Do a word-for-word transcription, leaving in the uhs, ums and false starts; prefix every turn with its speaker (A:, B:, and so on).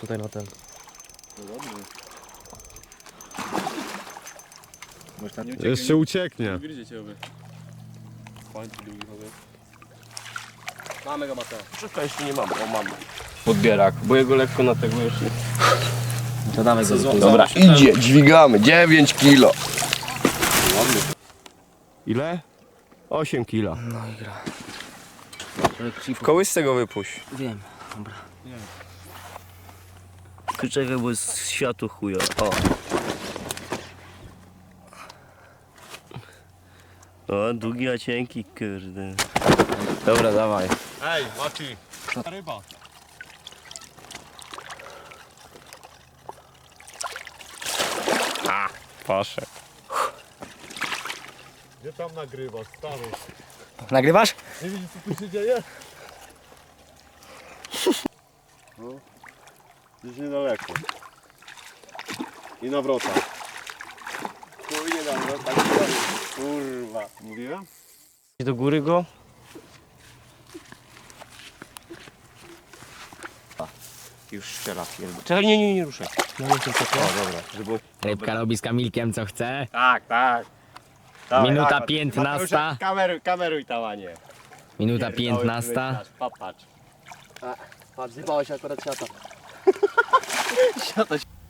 A: tutaj na ten.
B: No dobrze. Można nie
C: Jeszcze ucieknie.
B: Widzicie oby. Fajny długi chowy.
A: Mamy go, Mateo.
B: Wszystko jeszcze nie mam, o mam.
A: Podbierak, bo jego lekko na tego już nie. To damy go.
B: Dobra, idzie, dźwigamy, dziewięć kilo.
C: Ładny. Ile? osiem kilo.
A: No i gra.
B: W kołysce go wypuść.
A: Wiem, dobra. Czekaj, bo jest światło chujo. O. O, długi, a cienki, kurde. Dobra, dawaj.
C: Ej, Mati. Ryba.
B: A, poszedł.
C: Gdzie tam nagrywasz, stary?
A: Nagrywasz?
C: Nie widzisz, co tu się dzieje? No, gdzieś niedaleko. I nawrota.
B: Chuj nie dam, no tak kurwa.
C: Mówiłem?
A: Do góry go?
B: Już strzela pierdol.
A: Czekaj, nie, nie, nie ruszaj. No, nie, tylko to.
B: O, dobra, żeby...
D: Rybka robi z Kamilkiem co chce.
B: Tak, tak. Dawaj,
D: Minuta
B: dawaj,
D: piętnasta.
B: Mateusz, Kameruj, kameruj tam, a nie.
D: Minuta
B: Pierdoły,
D: piętnasta.
B: wyleź, Popatrz.
A: Patrz, zjebałeś akurat siata.
B: Siata się...